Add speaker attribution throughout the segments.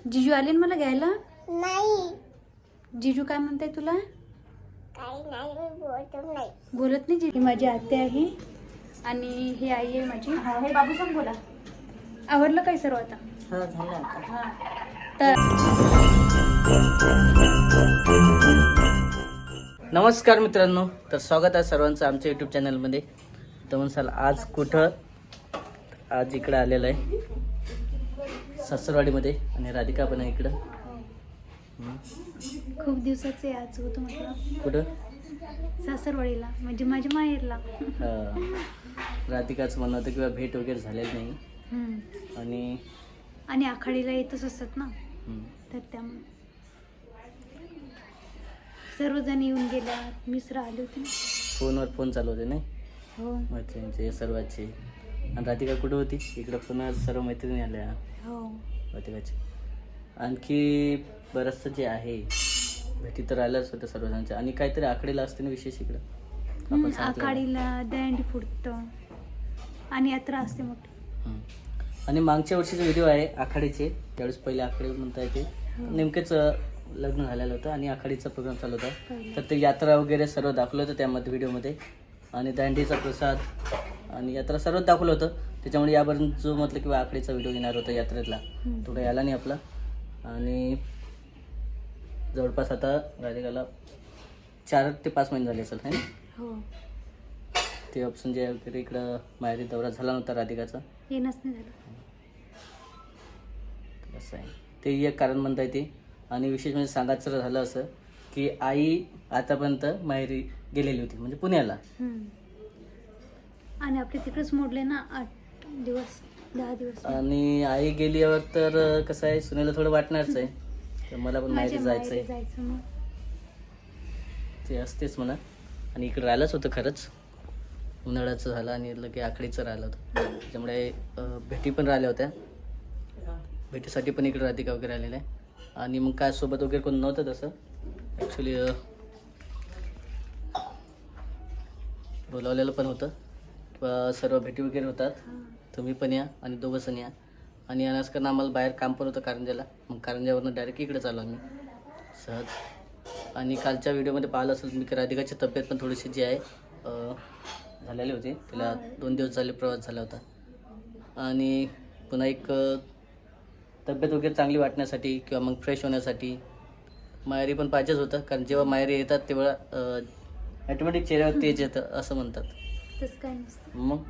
Speaker 1: जिजू आले ना मला घ्यायला?
Speaker 2: नाही
Speaker 1: जिजू काय म्हणताय तुला?
Speaker 2: काही नाही मी बोलतो नाही.
Speaker 1: बोलत नाही जिजू. ही माझी आत्या आहे आणि ही आई आहे माझी. हा हे बाबू सांग बोला. आवडलं काय सर्व आता?
Speaker 3: हो झालं आता.
Speaker 1: हा तर
Speaker 3: नमस्कार मित्रांनो, तर स्वागत आहे सर्वांचं आमच्या यूट्यूब चॅनलमध्ये. तर म्हणसाल आज कुठं? आज इकडं आलेलं आहे सासरवाडीमध्ये आणि राधिका पण आहे इकडं.
Speaker 1: खूप दिवसाचे आज होतं म्हटलं
Speaker 3: कुठं?
Speaker 1: सासरवाडीला, म्हणजे माझ्या माहेरला.
Speaker 3: राधिकाचं म्हणणं होतं किंवा भेट वगैरे झालेली नाही
Speaker 1: हम्म.
Speaker 3: आणि
Speaker 1: आखाडीला येतच असतात ना, तर त्यामुळे सर्वजण येऊन गेल्या. मिश्र आले होते ना.
Speaker 3: फोनवर फोन चालू होते नाही
Speaker 1: हो
Speaker 3: मैत्रिणींचे सर्वांचे. आणि राधिका कुठं होती? इकडं पुन्हा सर्व मैत्रिणी आल्या
Speaker 1: हो.
Speaker 3: राधिकाची. आणखी बरंचसं जे आहे भेटी तर आल्याच होत्या सर्वजणांच्या. आणि काहीतरी आकडेला असते ना विशेष इकडं आपण सांगितलं.
Speaker 1: आखाडीला दंडी फुटतं आणि यात्रा असते मोठी.
Speaker 3: आणि मागच्या वर्षीचे व्हिडिओ आहे आखाडीचे, त्यावेळेस पहिले आखाडे म्हणता येते. नेमकेच लग्न झालेलं होतं आणि आखाडीचा प्रोग्राम चालू होता. तर ते यात्रा वगैरे सर्व दाखवलं होतं त्यामध्ये व्हिडिओमध्ये. आणि दांडीचा प्रसाद आणि यात्रा सर्वच दाखवलं होतं. त्याच्यामुळे यापर्यंत जो म्हटलं किंवा आखाडीचा व्हिडिओ येणार होता यात्रेतला, तो काही आला नाही आपला. आणि जवळपास आता राधिकाला 4 ते 5 महिने झाले असेल है ना.
Speaker 1: हो
Speaker 3: ते ऑप्शन जे वगैरे इकडं माहेरी दौरा झाला नव्हता राधिकाचा,
Speaker 1: येणंच नाही झालं.
Speaker 3: असं आहे ते एक कारण म्हणता येते. आणि विशेष म्हणजे सांगायचं झालं असं की आई आतापर्यंत माहेरी गेलेली होती, म्हणजे पुण्याला.
Speaker 1: आणि आपले तिकडेच मोडले ना 8 दिवस 10 दिवस.
Speaker 3: आणि आई गेल्यावर तर कसं आहे, सुनेला थोडं वाटणारच आहे, तर मला पण माहेरी
Speaker 1: माझ्या
Speaker 3: जायचं
Speaker 1: माहेरी
Speaker 3: आहे
Speaker 1: जायचं मग.
Speaker 3: ते असतेच म्हणा. आणि इकडं राहिलंच होतं खरंच, उन्हाळ्याचं झालं आणि लगे आखडीचं राहिलं होतं. त्याच्यामुळे भेटी पण राहिल्या होत्या. भेटीसाठी पण इकडे राधिका वगैरे आलेलं आहे. आणि मग काय सोबत वगैरे कोण नव्हतं तसं ॲक्च्युली. बोलावलेलं पण होतं किंवा सर्व भेटी वगैरे होतात. तुम्ही पण या आणि दोघंजण या. आणि यानंच कारण आम्हाला बाहेर काम पण होतं कारंजाला, मग कारंजावरनं डायरेक्ट इकडे चालू आम्ही सहज. आणि कालच्या व्हिडिओमध्ये पाहिलं असेल मी की राधिकाची तब्येत पण थोडीशी जी आहे झालेली होती. तिला 2 दिवस झाले प्रवास झाला होता. आणि पुन्हा एक तब्येत वगैरे चांगली वाटण्यासाठी किंवा मग फ्रेश होण्यासाठी माहेरी पण पाहिजेच होतं. कारण जेव्हा माहेरी येतात तेव्हा ॲटोमॅटिक चेहऱ्यावर तेज येतं असं म्हणतात.
Speaker 1: तसं काय नसतं.
Speaker 3: मग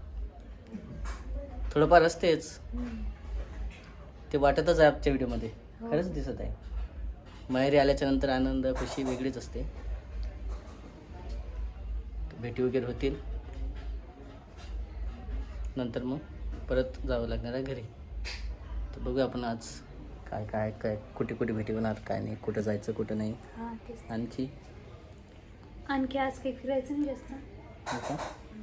Speaker 3: थोडंफार असतेच, ते वाटतच आहे आजच्या व्हिडिओमध्ये. खरंच दिसत आहे. माहेरी आल्याच्या नंतर आनंद खुशी वेगळीच असते. भेटी वगैरे होतील, नंतर मग परत जावं लागणार आहे घरी. तर बघूया आपण आज काय काय काय कुठे कुठे भेटी होणार, काय नाही, कुठं जायचं कुठं नाही.
Speaker 1: हां तेच.
Speaker 3: आणखी
Speaker 1: आज काही फिरायचं नाही जास्त.
Speaker 3: हो का?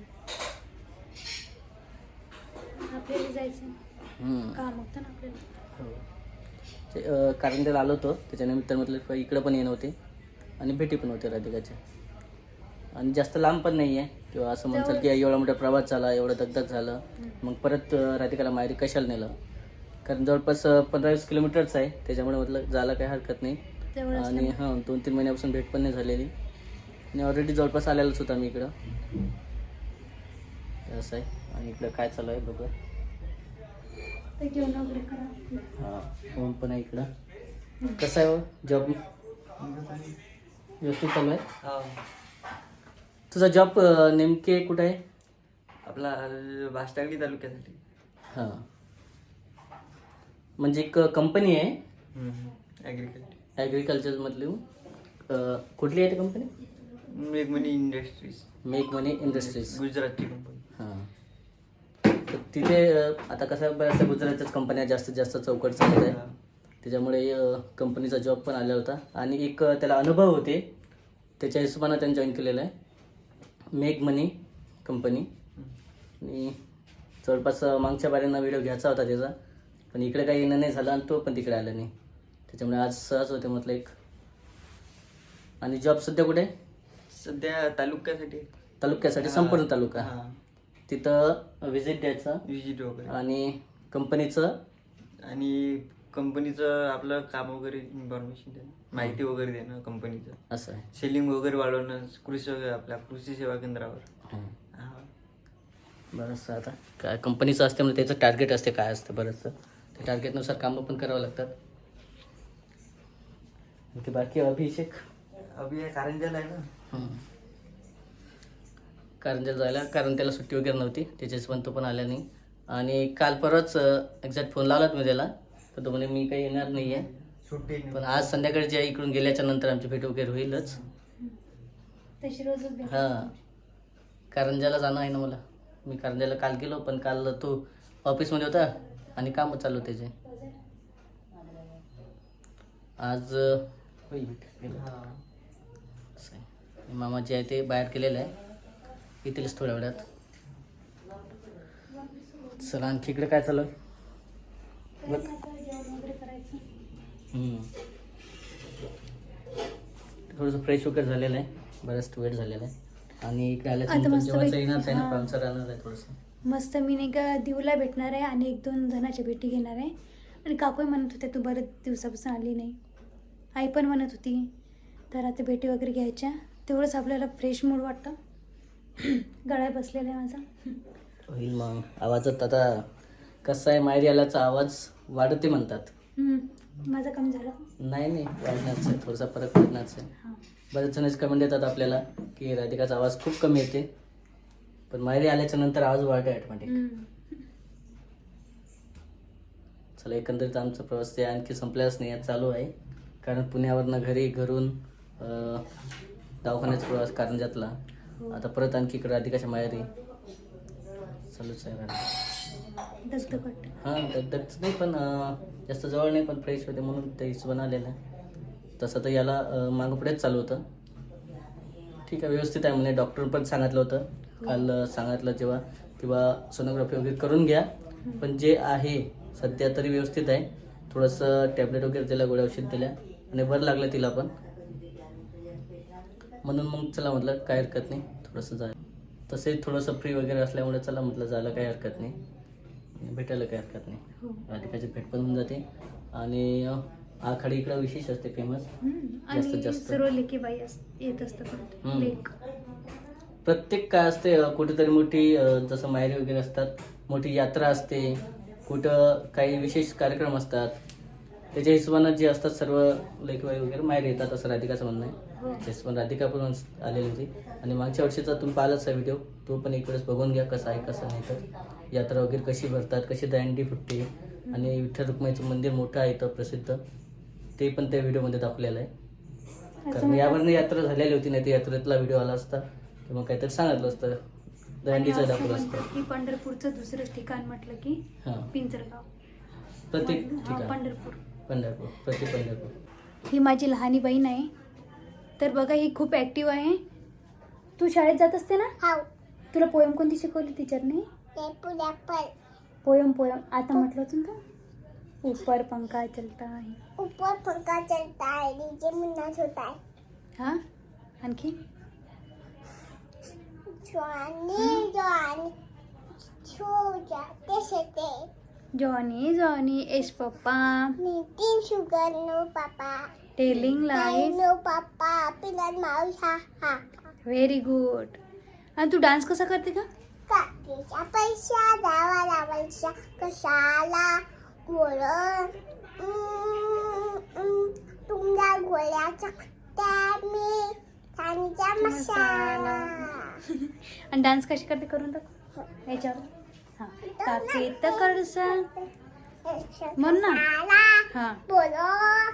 Speaker 1: आपल्याला जायचं काम होतं ना आपल्याला.
Speaker 3: हो ते कारंजाला आलो होतो, त्याच्यानिमित्त म्हटलं इकडं पण येणं होते आणि भेटी पण होते राधिकाच्या. आणि जास्त लांब पण नाही आहे किंवा असं म्हणतात की एवढा मोठा प्रवास झाला, एवढं दगदग झालं, मग परत राधिकाला माहेरी कशाला नेलं. कारण जवळपास 15-20 किलोमीटरच आहे, त्याच्यामुळे म्हटलं जायला काही हरकत नाही. आणि 2-3 महिन्यापासून भेट पण नाही झालेली आणि ऑलरेडी जवळपास आलेलंच होतं आम्ही इकडं. असं आहे. आणि इकडं काय चालू आहे बघूया. हां ऊन पण आहे इकडं. कसं आहे जॉब? व्यवस्थित चालू आहे. तुझा जॉब नेमके कुठं आहे?
Speaker 4: आपला भाष्टांगली तालुक्यासाठी.
Speaker 3: हां म्हणजे एक कंपनी आहे ॲग्रिकल्चरमधली. कुठली आहे ती कंपनी?
Speaker 4: मेघमनी इंडस्ट्रीज.
Speaker 3: मेघमनी इंडस्ट्रीज,
Speaker 4: गुजरातची कंपनी.
Speaker 3: हां. तर तिथे आता कसं बऱ्याचशा गुजरातच्याच कंपन्या जास्तीत जास्त चौकट चालत आहे, त्याच्यामुळे कंपनीचा जॉब पण आला होता. आणि एक त्याला अनुभव होते, त्याच्या हिशोबानं त्यांनी जॉईन केलेलं आहे मेघमनी कंपनी. आणि जवळपास मागच्या बारींना व्हिडिओ घ्यायचा होता त्याचा, पण इकडे काही येणं नाही झालं आणि तो पण तिकडे आला नाही. त्याच्यामुळे आज सहज होते म्हटलं एक. आणि जॉब सध्या कुठे आहे?
Speaker 4: सध्या
Speaker 3: तालुक्यासाठी संपूर्ण तालुका. तिथं व्हिजिट द्यायचं
Speaker 4: विजिट वगैरे
Speaker 3: आणि कंपनीचं
Speaker 4: आणि कंपनीचं आपलं काम वगैरे इन्फॉर्मेशन देणं, माहिती वगैरे देणं कंपनीचं,
Speaker 3: असं आहे.
Speaker 4: सेलिंग वगैरे वाढवणं आपल्या कृषी सेवा केंद्रावर.
Speaker 3: हं.
Speaker 4: हा.
Speaker 3: बरंचसं आता काय कंपनीचं असते म्हणजे त्याचं टार्गेट असते काय असतं बरंचसं, त्या टार्गेटनुसार कामं पण करावं लागतात. ते बाकी अभिषेक
Speaker 4: अभि या कारंजाला आहे ना.
Speaker 3: हं. कारंजाला जायला, कारण त्याला सुट्टी वगैरे नव्हती, त्याच्याच पण तो पण आला नाही. आणि काल परवाच एक्झॅक्ट फोन लावलात मी त्याला, तर तो म्हणे मी काही येणार नाही आहे.
Speaker 4: सुट्टी नाही.
Speaker 3: पण आज संध्याकाळी जे इकडून गेल्याच्या नंतर आमची भेट वगैरे होईलच.
Speaker 1: तशी रोजच भेट.
Speaker 3: हां, कारंजाला जाणं आहे ना मला. मी कारंजाला काल गेलो, पण काल तो ऑफिसमध्ये होता आणि कामं चालू त्याचे. आज होईल भेट.
Speaker 4: हा.
Speaker 3: असं आहे. मामा जे आहे ते बाहेर गेलेलं आहे, येतीलच थोड्या वेळात. चला आणखी इकडे काय चालू आहे? बघ.
Speaker 1: जेवण वगैरे करायचं.
Speaker 3: थोडंसं फ्रेश वगैरे झालेलं आहे, बराच वेळ झालेला आहे. आणि इकडे
Speaker 1: आता
Speaker 3: आल्याच्यानंतर
Speaker 1: मस्त
Speaker 3: जेवायचं
Speaker 1: पैकी-
Speaker 3: येणार आहे ना,
Speaker 1: हां.
Speaker 3: पाहुणचार राहणार आहे थोडंसं.
Speaker 1: मस्त मी नाही का दिवला भेटणार आहे आणि 1-2 जणांच्या भेटी घेणार आहे. आणि काकूही म्हणत होत्या तू बरेच दिवसापासून आली नाही. आई पण म्हणत होती, तर आता भेटी वगैरे घ्यायच्या, तेवढंच आपल्याला फ्रेश मूड वाटतं. गळा बसलेला आहे माझा.
Speaker 3: होईल मग. आवाजात आता कसं आहे, माहेरी आल्याचा आवाज वाढते म्हणतात.
Speaker 1: माझा कमी झाला.
Speaker 3: नाही वाढणारच आहे, थोडासा फरक पडणारच आहे.
Speaker 1: हां.
Speaker 3: बरेच जणच कमेंट येतात आपल्याला की राधिकाचा आवाज खूप कमी येते, पण माहेरी आल्याच्या नंतर आवाज वाढते ऑटोमॅटिक. चला, एकंदरीत आमचा प्रवास ते आणखी संपल्याच नाही, चालू आहे. कारण पुण्यावरनं घरी, घरून दवाखान्याचा प्रवास कारंजातला, आता परत आणखी इकडे राधिकाच्या माहेरी चालूच आहे.
Speaker 1: दगदग वाटतं.
Speaker 3: हां, दगदगच नाही, पण जास्त जवळ नाही, पण फ्रेश होते म्हणून ते हिशोबानं आलेलं आहे. तसं तर याला मागं पुढेच चालू होतं. ठीक आहे, व्यवस्थित आहे म्हणे, डॉक्टर पण सांगितलं होतं काल. सांगितलं जेव्हा किंवा सोनोग्राफी वगैरे करून घ्या, पण जे आहे सध्या तरी व्यवस्थित आहे. थोडंसं टॅबलेट वगैरे दिल्या, गोळ्या औषध दिल्या आणि बरं लागलं तिला पण. म्हणून मग चला म्हटलं काय हरकत नाही, थोडंसं जाय. तसेही थोडंसं फ्री वगैरे असल्यामुळे चला म्हटलं जायला काही हरकत नाही, भेटायला काही हरकत नाही. राधिकाची भेट पण होऊन जाते. आणि आखाडी इकडं विशेष असते, फेमस जास्तीत
Speaker 1: आणि
Speaker 3: जास्त.
Speaker 1: सर्व लेकी बाई येत असतात. लेक
Speaker 3: प्रत्येक काय असते, कुठेतरी मोठी जसं माहेरी वगैरे असतात, मोठी यात्रा असते, कुठं काही विशेष कार्यक्रम असतात, त्याच्या हिशोबानं जे असतात सर्व लेकीबाई वगैरे माहेरी येतात, असं राधिकाचं म्हणणं आहे. तेच पण राधिका पण आलेली होती. आणि मागच्या वर्षीचा तुम्ही पाहिलाच व्हिडिओ, तो पण एक वेळेस बघून घ्या कसा आहे कसं नाही. तर यात्रा वगैरे कशी भरतात, कशी दंडी फुटते, आणि विठ्ठल रुक्माईचं मंदिर मोठं आहे इथं प्रसिद्ध, ते पण त्या व्हिडिओमध्ये दाखवलेलं आहे. कारण यावरनं यात्रा झालेली होती, नाही तर यात्रेतला व्हिडिओ आला असता तर मग काहीतरी सांगितलं असतं, दंडीचं दाखवलं असतं.
Speaker 1: की पंढरपूरचं दुसरं ठिकाण म्हटलं की
Speaker 3: हां,
Speaker 1: पिंजरगाव.
Speaker 3: प्रत्येक
Speaker 1: हा,
Speaker 3: ठिकाण
Speaker 1: पंढरपूर.
Speaker 3: प्रत्येक पंढरपूर.
Speaker 1: ही माझी लहानी बहीण आहे. तर बघा, ही खूप ॲक्टिव्ह आहे. तू शाळेत जात असते ना?
Speaker 2: हाव.
Speaker 1: तुला पोयम कोणती शिकवली टीचरने? पोयम आता म्हटलं होतं ना, ऊपर पंखा चलता है.
Speaker 2: ऊपर पंखा चलता है, नीचे मुन्नास होता है.
Speaker 1: हा, आणखी
Speaker 2: जवानी जवानी छू जाते शेते.
Speaker 1: Johnny yes papa
Speaker 2: eating sugar no papa.
Speaker 1: Telling lies.
Speaker 2: No papa open mouth हा हा.
Speaker 1: Very good. आणि तू डान्स कसा करते का?
Speaker 2: काकीचा पैसा द्यावा लावायचा कशाला गोळ. तुमच्या गोळ्याचा मी खाण्याचा मसाला.
Speaker 1: आणि डान्स कशी करते करून दाखव याच्यावर. हां, काके तर करसा म्हण ना. हां,
Speaker 2: बोलो.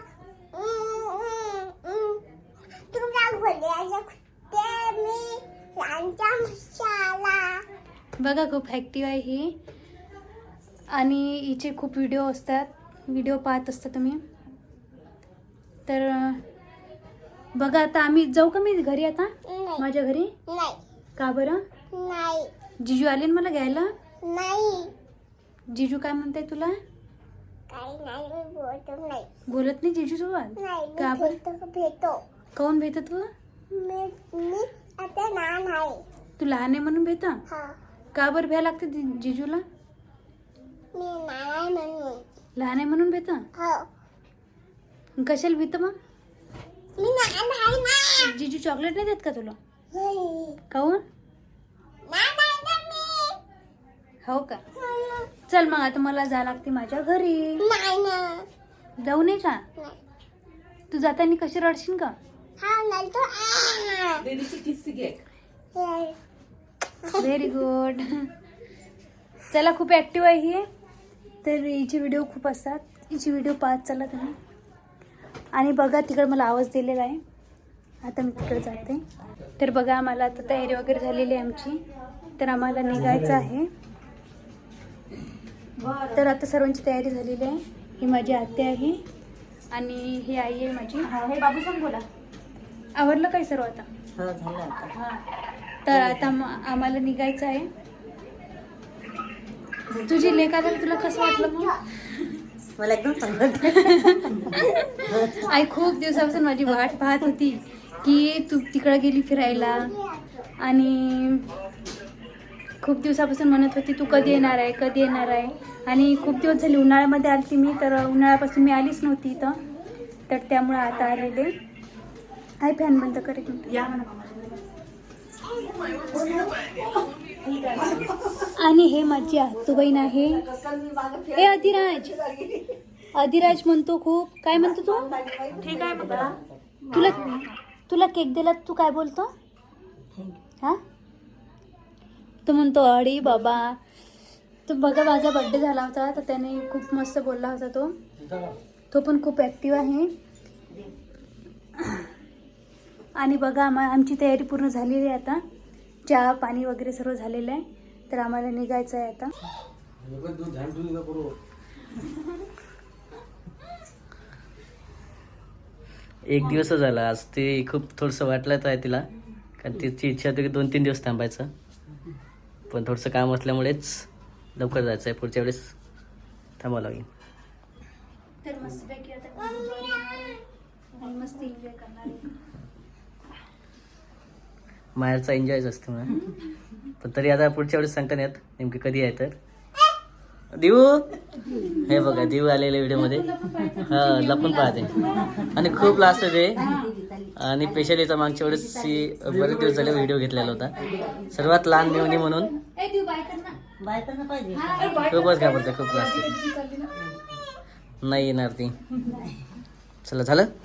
Speaker 2: तुमच्या गोळ्याचा मी खाण्याचा मसाला.
Speaker 1: बघा खूप ॲक्टिव्ह आहे ही. आणि हिचे खूप व्हिडिओ असतात, व्हिडिओ पाहत असता तुम्ही. तर बघा, आता आम्ही जाऊ का मी घरी आता,
Speaker 2: नाही
Speaker 1: माझ्या घरी?
Speaker 2: नाही
Speaker 1: का बरं?
Speaker 2: नाही
Speaker 1: जिजू आले ना मला घ्यायला.
Speaker 2: नाही.
Speaker 1: जिजू काय म्हणताय तुला?
Speaker 2: काही नाही, मी बोलतो नाही.
Speaker 1: बोलत नाही जिजू सोबत?
Speaker 2: नाही,
Speaker 1: का
Speaker 2: मी
Speaker 1: बरं?
Speaker 2: भेटतो.
Speaker 1: काऊन भेटत तू?
Speaker 2: मी आता लहान आहे.
Speaker 1: तू लहान आहे म्हणून भेटा?
Speaker 2: हा,
Speaker 1: का बरं भ्या लागते जिजूला?
Speaker 2: मी लहान आहे म्हणून.
Speaker 1: लहान आहे म्हणून भेट
Speaker 2: हो
Speaker 1: कशाला भीत मग
Speaker 2: मी लहान आहे ना
Speaker 1: जीजू चॉकलेट नाही देत का तुला
Speaker 2: नाही
Speaker 1: काहून
Speaker 2: ना मी
Speaker 1: हो का चल मग आता मला जा लागते माझ्या घरी
Speaker 2: नाही ना
Speaker 1: जाऊ नये का
Speaker 2: नाही
Speaker 1: तू जाताना कशी रडशील का
Speaker 2: हा नाही तो
Speaker 1: व्हेरी गुड चला खूप ॲक्टिव्ह आहे ही तर हिचे व्हिडिओ खूप असतात हिची व्हिडिओ पाहत चला तुम्ही आणि बघा तिकडे मला आवाज दिलेला आहे आता मी तिकडे जाते तर बघा आम्हाला आता तयारी वगैरे झालेली आहे आमची तर आम्हाला निघायचं आहे तर आता सर्वांची तयारी झालेली आहे ही माझी आत्या आहे आणि ही आई आहे माझी हे बाबू सांग बोला आवडलं काय सर्व आता हां तर आता आम्हाला निघायचं आहे तुझी लेक आल्यावर तुला कसं वाटलं मग
Speaker 5: मला एकदम चांगलं
Speaker 1: आई खूप दिवसापासून माझी वाट पाहत होती की तू तिकडं गेली फिरायला आणि खूप दिवसापासून म्हणत होती तू कधी येणार आहे कधी येणार आहे आणि खूप दिवस झाले उन्हाळ्यामध्ये आली मी तर उन्हाळ्यापासून मी आलीच नव्हती इथं तर त्यामुळे आता आलेले आई फॅन बंद करेल आणि हे माझी आत्तू बहीण आहे हे अधिराज म्हणतो खूप काय म्हणतो तू
Speaker 5: ठीक आहे बघा
Speaker 1: तुला तुला केक दिला तू काय बोलतो हा तो म्हणतो अडी बाबा तो बघा माझा बड्डे झाला होता तर त्याने खूप मस्त बोलला होता तो पण खूप ॲक्टिव्ह आहे आणि बघा आमची तयारी पूर्ण झालेली आहे आता चहा पाणी वगैरे सर्व झालेलं आहे तर आम्हाला निघायचं आहे आता
Speaker 3: एक दिवस झाला आज ते खूप थोडंसं वाटलं आहे तिला कारण तिची इच्छा होती की 2-3 दिवस थांबायचं पण थोडंसं काम असल्यामुळेच लवकर जायचं आहे पुढच्या वेळेस थांबावं लागेल
Speaker 1: तर मस्तपैकी आता आणि मस्त एन्जॉय करणार आहे
Speaker 3: माहेरचा एन्जॉयच असतो म्हणा पण तरी आता पुढच्या वेळेस सांगता नाही येत नेमकी कधी आहे तर देऊ हे बघा देऊ आलेल्या व्हिडिओमध्ये हा लपून पाहते आणि खूप लास्ट आहे ते आणि स्पेशलीचा मागच्या वेळेस बरेच दिवस झाले व्हिडिओ घेतलेला होता सर्वात लहान मेवणी म्हणून
Speaker 5: बाय करणं पाहिजे
Speaker 3: खूपच घाबरते खूप लास्ट नाही येणार ती चला झालं